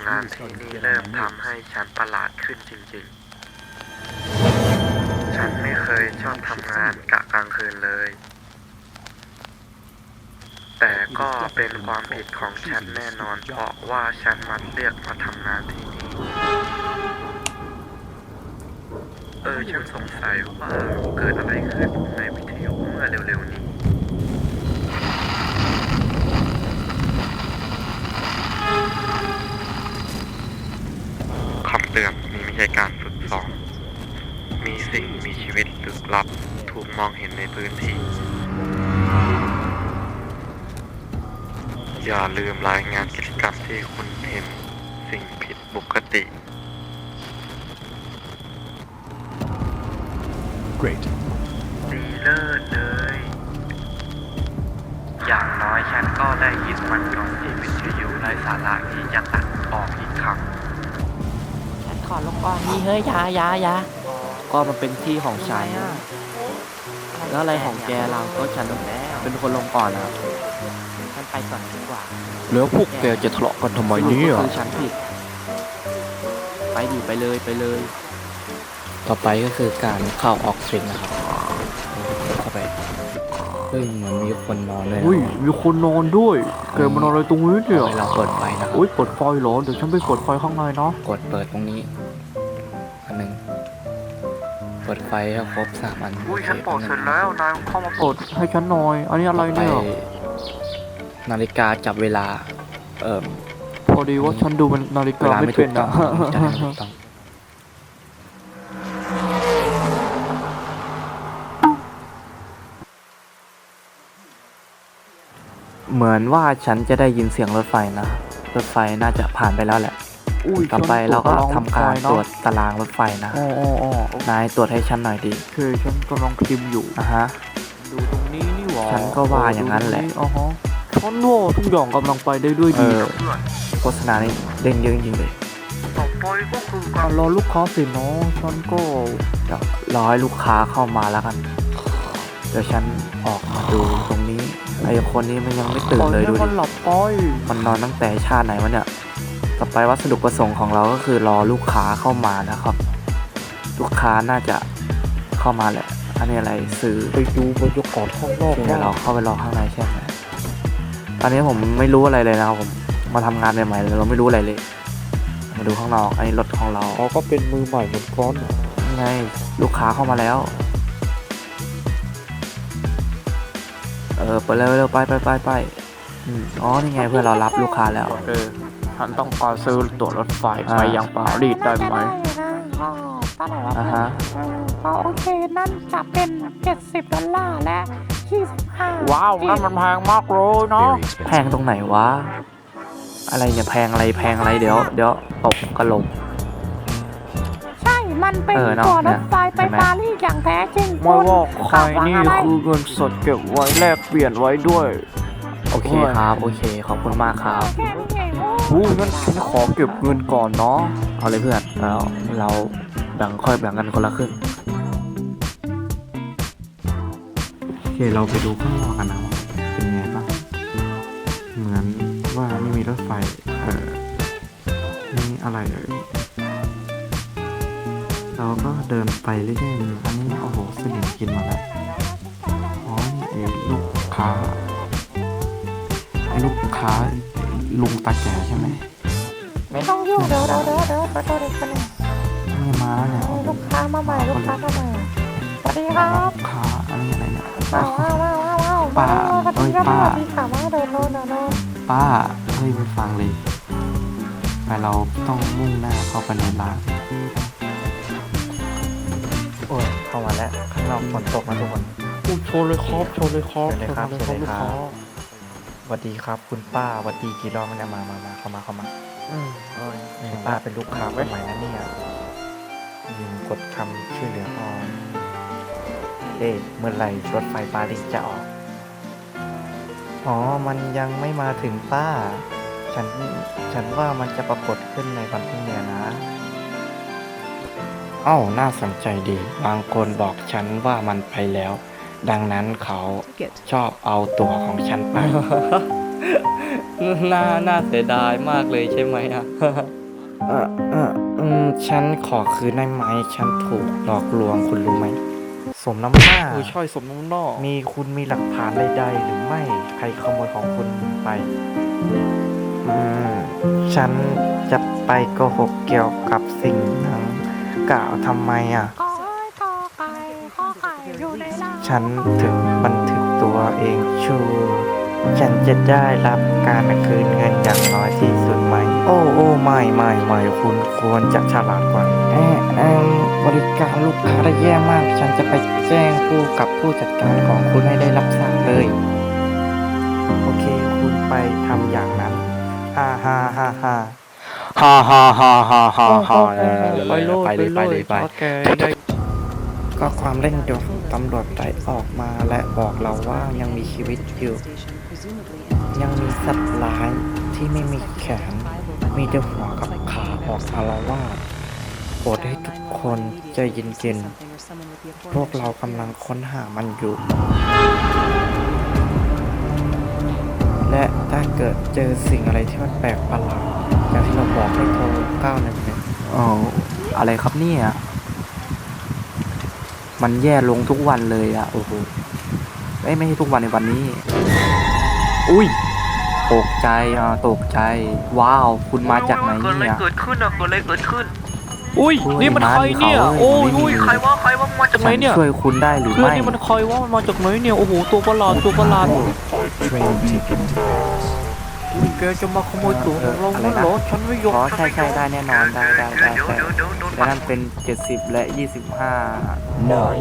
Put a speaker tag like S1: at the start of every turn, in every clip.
S1: งานที่นี่เริ่มทำให้ฉันประหลาดขึ้นจริงๆ ฉันไม่เคยชอบทำงานกะกลางคืนเลย แต่ก็เป็นความผิดของฉันแน่นอนเพราะว่าฉันมันเลือกมาทำงานที่นี่ ฉันสงสัยว่าเกิดอะไรขึ้นในวิทยุเมื่อเร็วๆนี้ คำเตือนนี้ไม่ใช่การฝึกซ้อม มีสิ่งมีชีวิตลึกลับถูกมองเห็นในพื้นที่ อย่าลืมรายงานกิจกรรมที่คุณเห็นสิ่งผิดปกติ
S2: Great.
S1: ดีเลิศเลย อย่างน้อยฉันก็ได้ยินมันก่อนที่วิทยุไร้สาระที่จะตัดออกอีกครั้ง
S3: ฉันขอลงก่อนนี่เฮ้ยอยาก็มันเป็นที่ของฉันแล้วอะไรของแกเราก็ฉันเป็นคนลงก่อนนะฉันไปก่อนดีกว่า
S2: แล้วพวกแกจะทะเลาะกันทำไมเนี่ย
S3: ก็คือฉันผิดไปดิไปเลย
S4: ต่อไปก็คือการเข้าออกสตริงนะครับเข้าไปเฮ้ยเหมือนมีคนนอนเลยนะ
S5: อุ้ยมีคนนอนด้วยแกมานอนอะไรตรงนี้เนี่ย
S4: เอาไว้เราเปิดไฟนะครับ
S5: อุ้ยเปิดไฟเหรอเดี๋ยวฉันไปเปิดไฟข้างในเนาะ
S4: กดเปิดตรงนี้อันหนึ่งเปิดไฟให้ครบ3 อัน
S1: อุ้ยฉันบอกเสร็จแล้วนายเข้ามา
S5: เปิดให้ฉันหน่อยอันนี้อะไร
S4: ไป
S5: เนี่ย
S4: นาฬิกาจับเวลา
S5: พอดีว่าฉันดูเป็นนาฬิ
S4: เว
S5: กา
S4: ลา
S5: ไม่
S4: ไม่ถู
S5: เป็
S4: ก
S5: น
S4: ต้อ
S5: อะ
S4: งจะได้ไม่ถูกต้องเหมือนว่าฉันจะได้ยินเสียงรถไฟนะรถไฟน่าจะผ่านไปแล้วแหละ
S5: อุ้ย
S4: ต่อไปเราก็ทำการ
S5: ฉัน
S4: ตรวจตารางรถไฟนะ
S5: อ๋อ
S4: นายตรวจให้ฉันหน่อยดิ
S5: โอเคฉันกำลังพิมพ์อยู่
S4: อ่ะฮะ
S5: ดูตรงนี้นี่หว่า
S4: ฉันก็ว่าอย่างนั้นแหละ
S5: อ๋อฮะฉันว่าทุกอย่างกำลังไปได้ด้วยดีนะ
S4: โฆษณานี่เด้งเยอะจริงๆเลย
S1: ต่อไปก็คือ
S5: อ่ะรอลูกค้าสิเนาะฉันก็
S4: เดี๋ยวรอให้ลูกค้าเข้ามาแล้วกัน เดี๋ยวฉันออกมาดูตรงนี้ไอ้คนนี้มันยังไม่ตื่นเลย
S5: ป
S4: ดู
S5: ให้
S4: ดิ
S5: มันหลับไป
S4: มันนอนตั้งแต่ชาติไหนวะเนี่ย ต่อไปวัสดุประสงค์ของเราก็คือรอลูกค้าเข้ามานะครับ ลูกค้าน่าจะเข้ามาแหละ อันนี้อะไรซื้อ
S5: ไปดูบรรยากาศข้างนอก
S4: เดี๋ยวเราเข้าไปรอข้างในใช่ไหมตอนนี้ผมไม่รู้อะไรเลยนะครับผมมาทำงานใหม่ๆเลยเราไม่รู้อะไรเลย มาดูข้างนอกอันนี้รถของเรา
S5: เขาก็เป็นมือใหม่เหมือนกัน
S4: นี่ไงลูกค้าเข้ามาแล้ว เปิดเร็วๆไปอ๋อนี่ไงเพื่อนเรารับลูกค้าแล้ว
S5: โอเคฉันต้องการซื้อตั๋วรถไฟ
S4: อ่า
S5: ไปยังปารีสได้ไหม
S4: อ่าฮะ
S6: โอเค นั่นจะเป็น$70และ25
S5: ว้าวนั่นมันแพงมากเลยเนาะ
S2: Very
S4: แพ
S2: expensive.
S4: งตรงไหนวะ อะไรเนี่ยแพงอะไรเดี๋ยวตกกระโหลก
S6: ใช่ มันเป็น
S4: เนาะ
S6: ตั๋วรถไฟไป
S4: เห็นไหม
S6: ปารีสอย่างแท้จริง
S5: ไม่ว่าใคร
S6: คุณ
S5: นี่
S6: หวังอะไร
S5: คือเงินสดเก็บไว้แลกเปลี่ยนไว้ด้วย
S4: โอเคครับโอเคขอบคุณมากครับ
S6: แค่นี้เองโอ้
S5: อู้งั้นฉันขอเก็บเงินก่อนเนาะ
S4: เอาเลยเพื่อนเราค่อยแบ่งกันคนละครึ่งโอเคเราไปดูข้างนอกกันนะว่าเป็นไงบ้างเหมือนว่าไม่มีรถไฟนี่อะไรเราก็เดินไปเรื่อยๆอันนี้โอ้โหสนิมกินมาแล้วอ๋อนี่ไอ้ลูกค้าลุงตาแก่ใช่ไหม
S6: ไม่ต้องยุ่งเดี๋ยว
S4: นี่มาแล้วเนี่ย
S6: ลูกค้ามาใหม่สวัสดีครับ
S4: ลูกค้าอันนี้อะไรเนี่ย
S6: ว้าว
S4: ป้า
S6: สวัส
S4: เอ้
S6: ดี
S4: ย
S6: ครับ
S4: ป้า
S6: สวัสดีค่ะมาเดินโน่น
S4: ป้าเฮ้ยไม่ฟังเลยแต่เราต้องมุ่งหน้าเข้าไปในร้านโอ้ยเข้ามาแล้วข้างนอกฝนตกนะทุกคน
S5: อู้โชว์เลยครับ
S4: เชิญเลยครับ
S5: ลูกค้า
S4: สวัสดีครับคุณป้าสวัสดีกี่รอบแล้วเนี่ยมาเข้ามานี่ป้าเป็นลูกค้าคนใหม่นะเนี่ยยิงกดคำช่วยเหลือพอเมื่อไหร่รถไฟปารีสจะออกอ๋อมันยังไม่มาถึงป้า ฉันว่ามันจะปรากฏขึ้นในวันพรุ่งนี้นะน่าสนใจดี บางคนบอกฉันว่ามันไปแล้ว ดังนั้นเขาชอบเอาตั๋วของฉันไป น่าเสียดายมากเลยใช่ไหมอ่ะฉันขอคืนได้ไหมฉันถูกหลอกลวงคุณรู้ไหมสมน้ำหน้า
S2: ใช่สมน้ำหน้า
S4: คุณมีหลักฐานใดๆหรือไม่ใครขโมยของคุณไปฉันจะไปโกหกเกี่ยวกับสิ่งนั้นกล่าวทำไมอ่ะ
S6: ก็กอไก่ข้อไก่อยู่ในล่าง
S4: ฉันถึงบันทึกตัวเองชูฉันจะได้รับการคืนเงินอย่างน้อยที่สุดไหม โอ้ไม่คุณควรจะฉลาดกว่าบริการลูกค้าได้แย่มาก ฉันจะไปแจ้งผู้จัดการของคุณให้ได้รับทราบเลย โอเค คุณไปทำอย่างนั้นฮ่า
S2: ฮ่าฮ่าฮ่าฮ่าฮ่าไปเลยไป
S4: ก็ความเร่งด่วนตำรวจได้ออกมาและบอกเราว่ายังมีชีวิตอยู่ ยังมีสัตว์ร้ายที่ไม่มีแขน มีแต่หัวกับขาออกอาละวาดโปรดให้ทุกคนใจเย็นๆพวกเรากำลังค้นหามันอยู่ และถ้าเกิดเจอสิ่งอะไรที่มันแปลกประหลาดอย่างที่เราบอกให้โทร911
S3: อ๋ออะไรครับเนี่ย มันแย่ลงทุกวันเลยอ่ะ โอ้โหไม่ใช่ทุกวันในวันนี้ อุ้ย ตกใจตกใจ ว้าว คุณมาจากไหนเนี่ย
S1: เกิดขึ้นอ่ะเกิดอะไรเกิดขึ้น
S2: อุ้ยนี่มันใครเนี่ยโอ้ย
S1: ใครว่ามาจาก
S2: ไหนเนี่ย
S3: ช่วยคุณได้หรือ
S2: เพื่อน
S3: ไม่
S2: นี่มันใครวะมันมาจากไหนเนี่ยโอ้โหตัวประหลาดแกจะมาขโมยตั๋วของเราแล้วเหรอฉันไม่ยอม
S3: อ๋อใช่ได้แน่นอนได้และนั่นเป็น70และ25
S5: no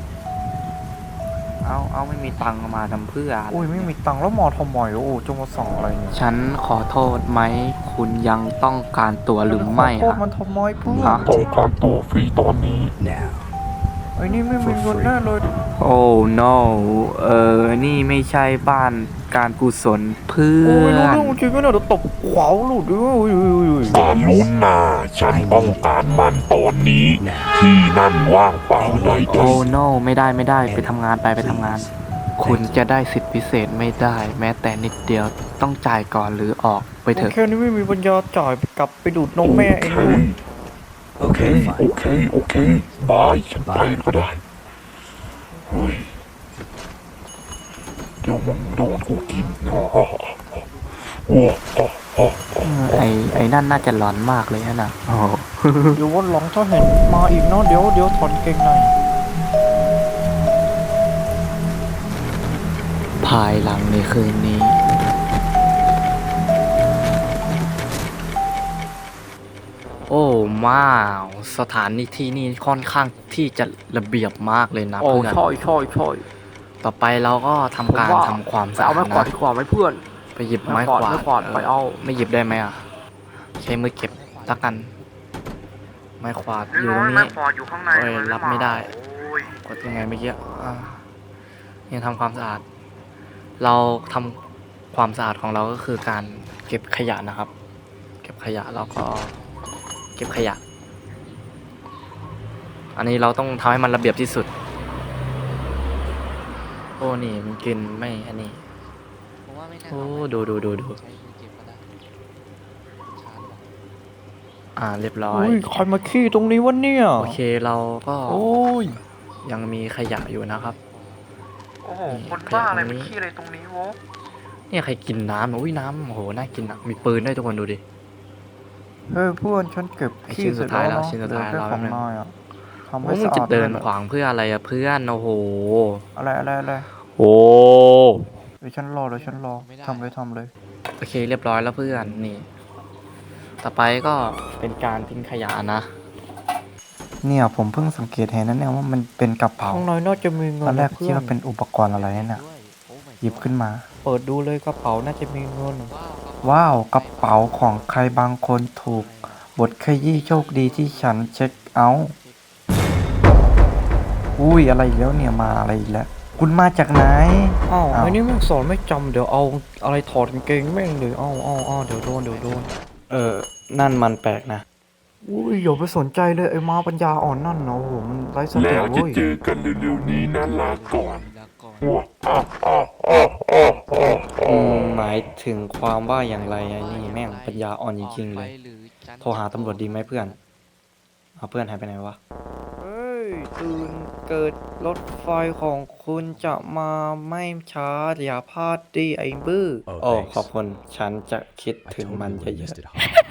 S3: เอาไม่มีตังค์มาทำเพื่ออะไร
S4: อุ้ยไม่มีตังค์แล้วมอทำไมโอ้จะมาสั่งอะไรเนี่ย
S3: ฉันขอโทษไหม คุณยังต้องการตั๋วหรือไม่
S4: โทษ
S3: อะ
S4: มันทำไมเพื่อน
S3: ฮะ
S5: ต้องการตัวฟรีตอนนี้
S4: ไอ้นี่ไม่มีเงินแน่เลย
S3: โอ้ no นี่ไม่ใช่บ้านการกุศลเพื่
S4: โอ้ย
S3: อ
S4: รู้
S3: น
S4: เรื่องจริงก็น่าจะตบขวาวหลุดด้วย
S5: สารุณนาฉันต้องการมันตอนนี้ ที่นั่นว่างเปล่าเลย
S3: โอ้ no ไม่ได้ไปทำงานไปทำงาน คุณจะได้สิทธิพิเศษไม่ได้ แม้แต่นิดเดียวต้องจ่ายก่อนหรือออกไปเถอะ
S4: แค่นี้ไม่มีปัญญาจ่ายกลับไปดูดนมแม่เองด้วย
S5: โอเคบายฉันไปก็ได้เฮ้ยเดี๋ยวมึงโดนกูกิน
S3: ไอ้นั่นน่าจะร้อนมากเลยนะโอ้
S4: เดี๋ยววันหลังถ้าเห็นมาอีกเนาะเดี๋ยวถอนเกงใน
S3: ภายหลังในคืนนี้ โอ้ว้าวสถานที่นี่ค่อนข้างที่จะระเบียบมากเลยนะ
S2: โอ้
S3: เพื่อน
S2: ใช่
S3: ต่อไปเราก็ทำการ
S2: ผมว่า
S3: ทำความ
S2: ไป
S3: สะอา
S2: เอา
S3: ด
S2: ไม้กวาด
S3: นะ
S2: ดีกว่าไหมเพื่อน
S3: ไปหยิบไม้กวาด
S2: ไม้กวาดไปเอา
S3: ไม่หยิบได้ไหมอ่ะใช้มือเก็บละกัน ไม้กวาดอยู่ตรงนี้
S1: อยู่ข้างใน
S3: โอ้ยรับไม่ได้
S1: โอ้ย
S3: กดยังไงเมื่อกี้ยังทำความสะอาด เราทำความสะอาดของเราก็คือการเก็บขยะนะครับ เก็บขยะแล้วก็เก็บขยะ อันนี้เราต้องทำให้มันระเบียบที่สุด โอ้นี่มันกินไม่อันนี้โอ้ดูเรียบร้อย
S4: อุ้ยใครมาขี้ตรงนี้วะเนี่ย
S3: โอเคเราก็
S4: โอ้ย
S3: ยังมีขยะอยู่นะครับ
S1: โอ้โหคนบ้าอะไรไปขี้อะไรตรงนี้วะ
S3: เนี่ยใครกินน้ำอุ้ยน้ำโอ้โหน่ากินอ่ะมีปืนด้วยทุกคนดูดิ
S4: เฮ้ยเพื่อนฉันเก็บขี้
S3: ชิ้นสุ
S4: เสร็
S3: ด
S4: จ
S3: ท้าย
S4: แล้ว
S3: แล้วชิ้นสุดท้าย
S4: เหลือ
S3: เรา
S4: แค่ของนายอ่ะทำให้
S3: โอ้มึง
S4: สะ
S3: จะ
S4: อาด
S3: เดิน
S4: ลย
S3: ขวางเพื่ออะไรอะเพื่อนโอ้โห
S4: อะไร
S3: โอ้
S4: เดี๋ยวฉันรอทำเลย
S3: โอเคเรียบร้อยแล้วเพื่อนนี่ ต่อไปก็เป็นการทิ้งขยะนะ
S4: เนี่ยผมเพิ่งสังเกตเห็นนั่นเองว่ามันเป็นกระเป๋า
S2: ข้างในน่าจะมีเงิ
S4: ตอน นแรก
S2: เพื่
S4: คิด
S2: อน
S4: ว่าเป็นอุปกรณ์อะไรเนี่ยหยิบขึ้นมา
S2: เปิดดูเลยกระเป๋าน่าจะมีเงิน
S4: ว้าวกระเป๋าของใครบางคนถูกบทขยี้โชคดีที่ฉันเช็คเอาท์อุ้ยอะไรอีกแล้วเนี่ยมาอะไรอีกแล้วคุณมาจากไหน
S2: อ้าว
S4: อ้าว
S2: ไอ้นี่แม่งสอนไม่จำเดี๋ยวเอาอะไรถอดกางเกงแม่งเลยอ้าวเดี๋ยวโดน
S3: นั่นมันแปลกนะ
S4: อุ้ยอย่าไปสนใจเลยไอ้มาปัญญาอ่อนนั่นเนาะโอ้โหมันไร้สติ
S5: แล้วจะ
S4: เว้ย
S5: เจอกันเร็วๆนี้นะลาก่อน
S3: หมายถึงความว่าอย่างไรไอ้นี่แม่งปัญญาอ่อนจริงๆเลย
S2: โทรหาตำรวจดีไหมเพื่อนเอาเพื่อนหายไปไหนวะ เฮ้ย ตื่นเกิดรถไฟของคุณจะมาไม่ช้าอย่าพลาดดิไอ้บื้อ โอ้ ขอบคุณ ฉันจะคิดถึงมันเยอะๆ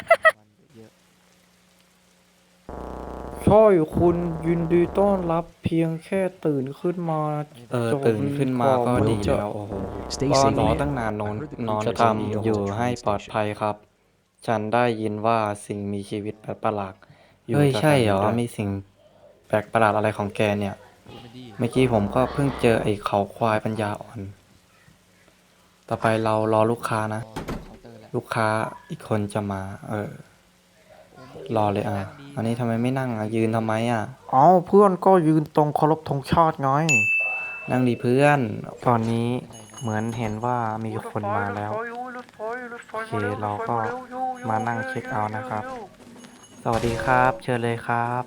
S2: ใช่คุณยินดีต้อนรับเพียงแค่ตื่นขึ้นมาตื่นขึ้นมาก็ดีแล้วโอ้โหก็รอตั้งนานนอนทำอยู่ให้ปลอดภัยครับ ฉันได้ยินว่าสิ่งมีชีวิตแปลกประหลาดอยู่เฮ้ยใช่เหรอมีสิ่งแปลกประหลาดอะไรของแกเนี่ย เมื่อกี้ผมก็เพิ่งเจอไอ้เขาควายปัญญาอ่อน ต่อไปเรารอลูกค้านะ ลูกค้าอีกคนจะมา รอเลยอันนี้ทำไมไม่นั่งยืนทำไม
S4: เอาเพื่อนก็ยืนตรงเคารพธงชาติไง
S2: นั่งดีเพื่อน
S4: ตอนนี้เหมือนเห็นว่ามีคนมาแล้วโอเคเราก็มานั่งเช็คเอาท์นะครับ สวัสดีครับ เชิญเลยครับ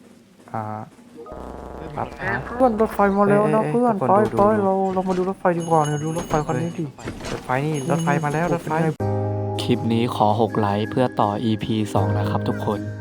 S4: รับนะเพื่อนรถไฟมาแล้วนะเพื่อนไปเรามาดูรถไฟดีกว่าเนี่ยดูรถไฟคันนี้ดิรถไฟนี่รถไฟมาแล้วรถไฟ
S2: คลิปนี้ขอ6 ไลค์เพื่อต่อ EP 2 นะครับทุกคน